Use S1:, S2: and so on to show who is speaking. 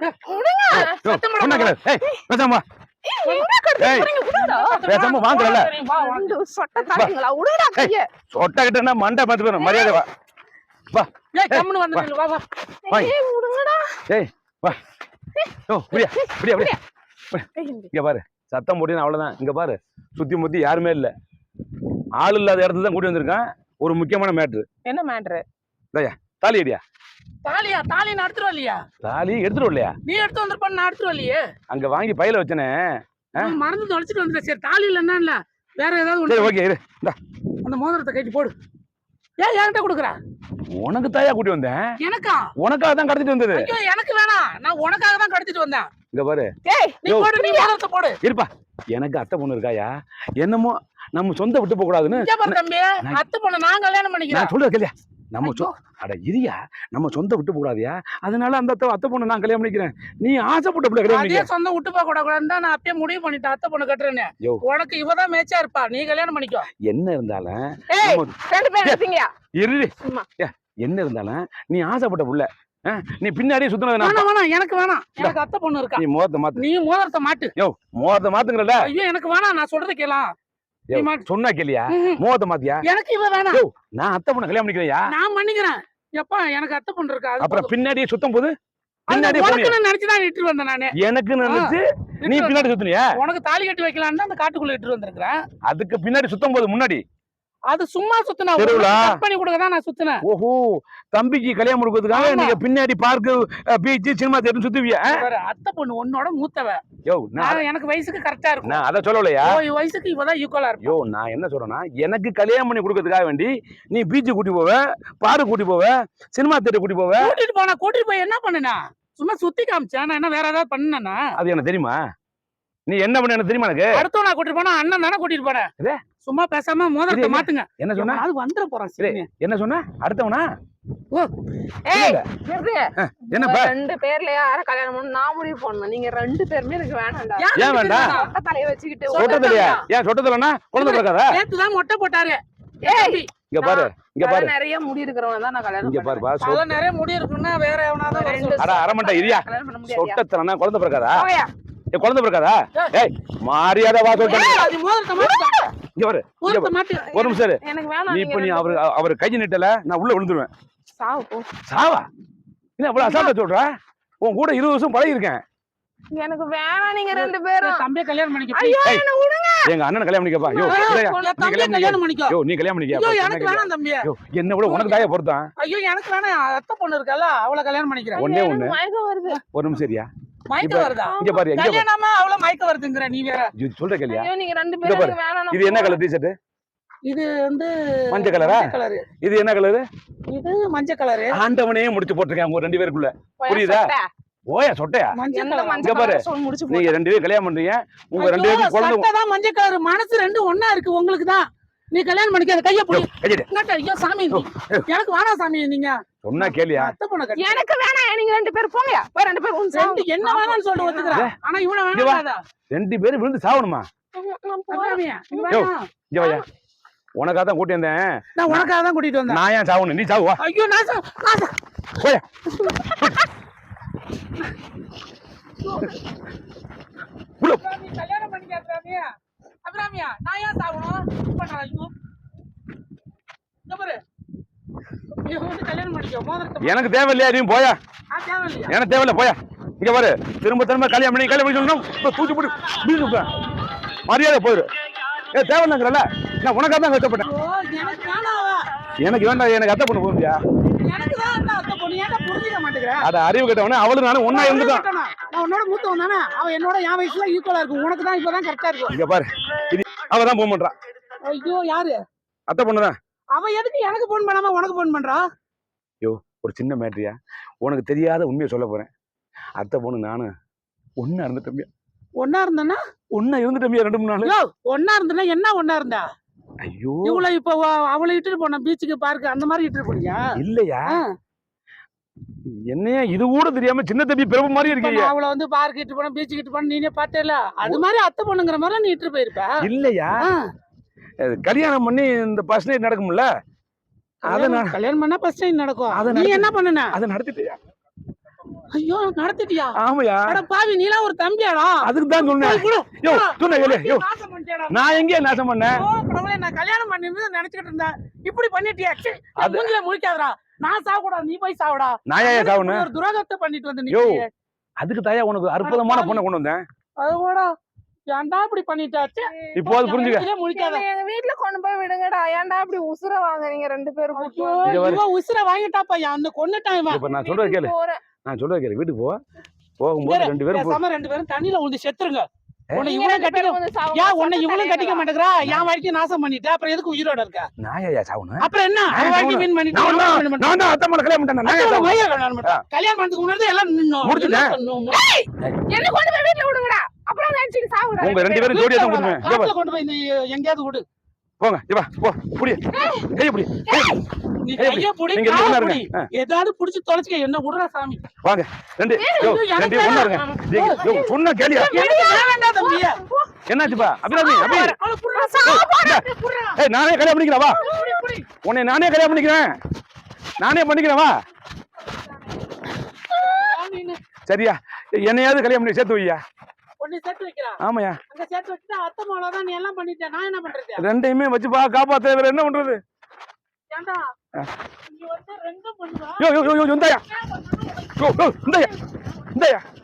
S1: பேசாம பேசாம வாங்கல சொட்ட கிட்ட மண்டை பார்த்து போயிடும் மரியாதை வா வா இங்க பாரு சத்தம் போட்டு அவ்வளவுதான். இங்க பாரு சுத்தி முத்தி யாருமே இல்ல, ஆள் இல்லாத இடத்துல தான் கூட்டி வந்திருக்கான். ஒரு முக்கியமான மேட்ரு.
S2: என்ன மேட்ரு?
S1: தாலி அடியா?
S3: தாலியா? தாலி நான் எடுத்துட்டு வரலையா?
S1: தாலி எடுத்துட்டு வரலையா?
S3: நீ எடுத்து வந்திருப்ப, நான் எடுத்துட்டு வரலையே.
S1: அங்க வாங்கி பையில வச்சனே,
S3: மறந்து தொலைச்சிட்டு வந்துட்டேன். சரி தாலி இல்லன்னா இல்ல வேற ஏதாவது.
S1: சரி ஓகே இரு,
S3: அந்த மோதிரத்தை கட்டி போடு. ஏன் என்கிட்ட கொடுக்குற?
S1: உனக்கு தாயா கூட்டி வந்தேன்.
S3: எனக்கா?
S1: உனக்காக தான் கடத்திட்டு வந்தது.
S3: ஐயோ எனக்கு வேணாம், நான் உனக்காக தான் கடத்திட்டு வந்தேன்.
S1: இங்க பாரு,
S3: நீ போடு, நீ மோதிரத்தை போடு.
S1: இருப்பா, எனக்கு அத்தை பொண்ணு இருக்காயா, என்னமோ நம்ம சொந்த விட்டு போக கூடாதுன்னு.
S3: தம்பி அத்தை பொண்ணு நான் கல்யாணம் பண்ணிக்கிறேன்.
S1: சொல்லுறது இல்லையா, நம்ம அட இரியா, நம்ம சொந்த விட்டு போடாதியா, அதனால அந்த அத்தை பொண்ணு நான் கல்யாணம் பண்ணிக்கிறேன். நீ ஆசைப்பட்ட பிள்ளை கல்யாணம் பண்ணிக்க.
S3: சொந்த விட்டு போக கூடாதுன்னு தான் நான் அப்பயே முடிவு பண்ணிட்டேன். அத்தை பொண்ணு கட்டுறேன்னு. உனக்கு இவதான் மேட்சா இருப்பா, நீ கல்யாணம் பண்ணிக்கோ.
S1: என்ன இருந்தாலும் என்ன இருந்தாலும் நீ ஆசைப்பட்ட புள்ள, நீ பின்னாடியே சுத்தினது.
S3: எனக்கு வேணாம், எனக்கு அத்தை பொண்ணு இருக்கா.
S1: நீ மோதிரத்தை மாத்து.
S3: நீ மோதிரத்தை மாட்டு.
S1: மோதிரத்தை மாத்துங்கறல.
S3: ஐயோ எனக்கு வேணாம், நான் சொல்றது கேளா.
S1: சொன்னா கேளியா? மோதிரத்தை மாத்தியா?
S3: எனக்கு இவ வேணாம்.
S1: நான் அத்தை பொண்ணு கல்யாணம் பண்ணிக்கிறியா?
S3: நான் பண்ணிக்கிறேன். எப்பா எனக்கு அத்தை பொண்ணு இருக்கா.
S1: அப்புறம் பின்னாடியே சுத்தும் போது
S3: நினைச்சுதான் இட்டு வந்தேன் நானு.
S1: எனக்கு நினைச்சு நீ பின்னாடி சுத்தினியா?
S3: உனக்கு தாலி கட்டி வைக்கலான்னு அந்த காட்டுக்குள்ள இட்டு வந்திருக்கிறேன்.
S1: அதுக்கு பின்னாடி சுத்தும் போது முன்னாடி
S3: அது சும்மா சுத்தினா பண்ணி கொடுக்கதான் நான் சுத்தினேன்.
S1: ஓஹோ, தம்பிக்கு கல்யாணம் கொடுக்கிறதுக்காக நீங்க பின்னாடி பார்க்கு, பீச், சினிமா தியேட்டர் சுத்துவியா?
S3: அத்தை பொண்ணு உன்னோட மூத்தவ. எனக்கு வயசுக்கு கரெக்டா இருக்கும்.
S1: நான் அத சொல்லலையா?
S3: வயசுக்கு இவதான் ஈக்குவலா இருக்கும்.
S1: நான் என்ன சொல்றேன்னா, எனக்கு கல்யாணம் பண்ணி கொடுக்கறதுக்காக வேண்டி நீ பீச் கூட்டி போவ, பார்க் கூட்டி போவ, சினிமா தியேட்டர் கூட்டி போவ.
S3: கூட்டிட்டு போய் என்ன பண்ணுனா? சும்மா சுத்தி காமிச்சேன். நான் என்ன வேற ஏதாவது பண்ணனா?
S1: அது எனக்கு தெரியுமா? நீ என்ன பண்ண எனக்கு தெரியுமா? எனக்கு
S3: அடுத்த நான் கூட்டிட்டு போனா அண்ணன் தானே கூட்டிட்டு போனேன். சும்மா பேசாம மோதிரத்தை மாத்துங்க.
S1: என்ன சொன்னா?
S3: அது வந்துற போறான்.
S1: என்ன சொன்னா? அடுத்தவனா?
S2: என்னப்பா ரெண்டு பேர்ல யார கல்யாணம் பண்ணனும் நான் முடிவு பண்ணனும். நீங்க ரெண்டு பேருமே எனக்கு வேணாம்டா.
S1: ஏன் வேண்டாம்?
S2: மொட்டை தலைய வச்சிட்டு
S1: சொட்ட தலையா? ஏன் சொட்ட தலைனா குழந்தை பிறக்காதா?
S3: நேத்து தான் மொட்டை போட்டாரு.
S1: இங்க பாரு, இங்க பாரு,
S2: நிறைய முடி இருக்கிறவங்க தான் நான் கல்யாணம்.
S1: இங்க பாரு பா,
S3: சொல்ல நிறைய முடி இருக்குன்னா வேற எவனாவது வந்து.
S1: அட அரமண்டை இரியா, சொட்ட தலைனா குழந்தை பிறக்காதா? குழந்தை பிறக்காதா? ஏய் மரியாதை வா சொல்றேன். இங்க பாரு, ஒரு நிமிஷம் இரு. நீ இப்ப நீ அவர் கையை நீட்டல, நான் உள்ள விழுந்துருவேன்.
S2: சாவு போ.
S1: சாவா? என்ன அவ்வளவு அசால்ட்டா சொல்ற? உன் கூட 20 வருஷம் பழகி இருக்கேன்.
S2: எனக்கு வேணாம் நீங்க ரெண்டு பேரும்.
S3: தம்பியை கல்யாணம் பண்ணிக்க.
S2: ஐயோ என்ன விடுங்க.
S1: எங்க அண்ணனை கல்யாணம் பண்ணிக்கப்பா.
S3: தம்பியை கல்யாணம் பண்ணிக்க.
S1: நீ கல்யாணம் பண்ணிக்க.
S3: எனக்கு வேணாம் தம்பி.
S1: என்ன விட உனக்கு தாயா பொறுத்தான்.
S3: ஐயோ எனக்கு வேணாம், அத்தை பொண்ணு இருக்கல அவளை கல்யாணம் பண்ணிக்கிறேன்.
S1: ஒண்ணே ஒண்ணு
S2: மயக்கம் வருது.
S1: ஒரு நிமிஷம் சரியா?
S3: மயக்கம் வருதா?
S1: இங்க பாரு, இங்க பாரு.
S3: கல்யாணமா அவள மயக்கம் வருதுங்கற நீ வேற.
S1: சொல்ற கேளியா?
S2: ஐயோ நீங்க ரெண்டு பேரும் எனக்கு வேணாம்.
S1: இது என்ன கலர் டி-ஷர்ட்?
S3: இது வந்து
S1: மஞ்சள் கலரா? இது என்ன கலர்?
S3: இது மஞ்சள் கலர்.
S1: ஆண்டவனே முடிச்சு போட்டுருக்கேன் உங்க ரெண்டு பேருக்குள்ள. புரியுதா? ஓயா சொட்டையா? இங்க பாரு, நீங்க ரெண்டு பேரும் கல்யாணம் பண்றீங்க. உங்க ரெண்டு பேரும் குழந்தை
S3: தான் மஞ்சள் கலர். மனசு ரெண்டு ஒண்ணா இருக்கு உங்களுக்கு தான். நீ கல்யாணம் பண்ணிக்க. அந்த கைய புடி. ஐயோ சாமி, எனக்கு வேணாம் சாமி. நீங்க சொன்னா கேளியா? எனக்கு வேணாம், நீங்க ரெண்டு பேரும் போங்க. போய் ரெண்டு பேரும் ரெண்டு என்ன வேணாம்னு சொல்லிட்டு ஒத்துக்கறேன். ஆனா இவன வேணாம்டா. ரெண்டு பேரும் விழுந்து சாவணுமா? இங்க வாயா, உனக்காக தான் கூட்டி வந்தேன். நான் உனக்காக தான் கூட்டிட்டு வந்தேன். நான் ஏன் சாவணும்? நீ சாவு. ஐயோ நான் போய் நீ கல்யாணம் பண்ணிக்க. அபிராமியா, அபிராமியா, நான் ஏன் சாவணும்? ஐயோ இங்க பாரு, நீ வந்து கல்யாணம் பண்ணிக்க. மோதிரத்தை எனக்கு தேவையில்லையா? நீ போயா. தேவையில்லையா? எனக்கு தேவையில்லை, போயா. இங்க பாரு, திரும்ப திரும்ப கல்யாணம் பண்ணி சொல்லணும். தூக்கி போட்டு மரியாதை போயிரு. தேவையில்லைங்கிறல்ல, நான் உனக்காக தான் கஷ்டப்பட்டேன். எனக்கு வேண்டாம், எனக்கு அத்தை பொண்ணு போறியா? அத அறிவு கட்டவன அவளும் நானும் ஒன்னா இருந்துட்டோம். நான் உன்னோட மூத்தவன் தானே. அவ என்னோட என் வயசுல ஈக்குவலா இருக்கும். உனக்கு தான் இப்பதான் கரெக்டா இருக்கும். இங்க பாரு, இது அவ தான் போன் பண்றா. ஐயோ யாரு? அத்தை பொண்ணு தான். அவ எதுக்கு எனக்கு போன் பண்ணாம உனக்கு போன் பண்றா? ஐயோ ஒரு சின்ன மேட்டரியா, உனக்கு தெரியாத உண்மையை சொல்ல போறேன். அத்தை பொண்ணு நானு ஒன்னா இருந்துட்டோம். ஒன்னா இருந்தனா? ஒன்னா இருந்துட்டோம் 2-3 நாள். ஒன்னா இருந்தனா என்ன ஒன்னா இருந்தா? ஐயோ இவ்வளவு இப்ப அவளை இட்டுட்டு போன பீச்சுக்கு பார்க்க அந்த மாதிரி இட்டுட்டு போனியா? இல்லையா? என்னையா இது கூட தெரியாம சின்ன தம்பி பிறப்பு மாதிரி இருக்கீங்க. அவளை வந்து பார்க் இட்டு போன, பீச்சுக்கு இட்டு போன, நீனே பார்த்தேல. அது மாதிரி அத்தை பொண்ணுங்கிற மாதிரி நீ இட்டு போயிருப்ப. இல்லையா? கல்யாணம் பண்ணி இந்த ஃபர்ஸ்ட் நைட் நடக்கும்ல, அத நான் கல்யாணம் பண்ணா ஃபர்ஸ்ட் நைட் நடக்கும். அத நீ என்ன பண்ணன? அத நடத்திட்டியா? ஐயோ நடத்திட்டியா?
S1: ஆமாயா.
S3: அட பாவி, நீலாம் ஒரு தம்பியாடா?
S1: அதுக்கு தான் சொன்னேன். யோ சொன்ன கேளு. யோ
S3: நாசம் பண்ணிட்டேடா.
S1: நான் எங்கே நாசம் பண்ணேன்?
S3: ஓ கடவுளே, நான் கல்யாணம் பண்ணிருந்து நினைச்சிட்டு இருந்தேன். இப்படி பண்ணிட்டியா?
S1: அது-
S3: மூஞ்சில முழிக்காதடா. நான் சாவக்கூடாது, நீ போய் சாவடா.
S1: நான் ஏன் சாவணும்?
S3: ஒரு துரோகத்தை பண்ணிட்டு வந்து நீ.
S1: யோ அதுக்கு தாயா உனக்கு அற்புதமான பொண்ணை கொண்டு வந்தேன்.
S3: அதுவோடா ஏன்டா இப்படி பண்ணிட்டாச்சு?
S1: இப்போ அது புரிஞ்சுக்க.
S3: மூஞ்சிலே முழிக்காத.
S2: என்னை எங்க வீட்டுல கொண்டு போய் விடுங்கடா. ஏன்டா இப்படி உசுர வாங்குறீங்க 2 பேரும்?
S3: ஐயோ,
S1: இங்க பாரு.
S3: இவன் உசுர வாங்கிட்டாப்பா, அந்த கொன்னுட்டான் இவன்.
S1: இப்ப நான் சொல்றது கேளு.
S2: போறேன்.
S1: நான் சொல்றது கேளு. வீட்டுக்கு போகும்போது 2 பேரும்
S3: பேசாம 2 பேரும் தண்ணியில விழுந்து செத்துருங்க. உன்னை
S2: நீங்க
S3: இவனும்
S2: 2
S3: கட்டிக்க
S2: பேரும் வந்து சாவுங்க.
S3: ஏன் உன்னை இவனும்
S2: சட்டை
S3: கட்டிக்க
S2: தலைவலா.
S3: மாட்டேங்கிறா? என் வாழ்க்கையை நாசம் பண்ணிட்ட, அப்புறம் எதுக்கு உயிரோட இருக்க?
S1: நான் ஏன் சாவணும்?
S3: அப்புறம் என்ன? அவன் வாழ்க்கை வீண் பண்ணிட்டு
S1: நான்
S3: அவன்
S1: தான்
S3: கல்யாணம் பண்ணிட்டான்.
S1: நான் தான் அத்தை மலை கல்யாணம் பண்ணிட்டேன். நான் ஏன்
S3: அத்தோட
S1: சாவணும்?
S3: மையம் கல்யாணம் பண்ணிட்டான். கல்யாணம் பண்ணதுக்கு முன்னாடி எல்லாம் நின்னோம்.
S1: முடிச்சுட்டேன்.
S3: என்ன பண்ணோம்?
S2: என்னை கொண்டு போய் வீட்டுல விடுங்கடா. அப்புறம் நினைச்சிட்டு சாவுங்கடா.
S1: உங்க 2 பேரும் ஜோடியா தான் கொடுப்பேன். இங்க
S3: காட்டுல
S1: பாரு.
S3: கொண்டு போய் நீ எங்கேயாவது விடு.
S1: போங்க இங்க வா. போ புடி. கைய புடி.
S3: நீ
S1: ஏய்,
S3: கையை பிடி,
S1: நீங்க
S3: காலை
S1: ஒண்ணா
S3: பிடி.
S1: இருங்க.
S3: ஏதாவது புடிச்சு தொலைச்சுக்க, என்ன விடுறா சாமி.
S1: வாங்க 2 யோ 2 ஒண்ணா இருங்க. யோ சொன்னா கேளியா?
S3: எனக்கு வேண்டாம்டா தம்பியே.
S1: என்னாச்சுப்பா? அபிராமி அபி.
S3: அவளை புடுறா, புடுறா.
S1: ஏய் நானே கல்யாணம் பண்ணிக்கிறேன் வா. உன்னை நானே கல்யாணம் பண்ணிக்கிறேன். நானே பண்ணிக்கிறேன் வா.
S3: சாமின்னு
S1: சரியா? என்னையாவது கல்யாணம் பண்ணி சேர்த்து வையா.
S3: உன்னை சேர்த்து வைக்கிறான்.
S1: ஆமாயா.
S3: அங்க சேர்த்து வச்சுட்டா அத்தை மாவளதான், நீ எல்லாம் பண்ணிட்ட. நான் என்ன பண்றது?
S1: 2யுமே வச்சு காப்பாத்த வேற என்ன பண்றது?
S3: ஏன்டா நீ வந்து ரெண்டும் பண்ணுவா?
S1: யோ யோ யோ இந்தாயா. யோ யோ இந்தாயா. இந்தாயா.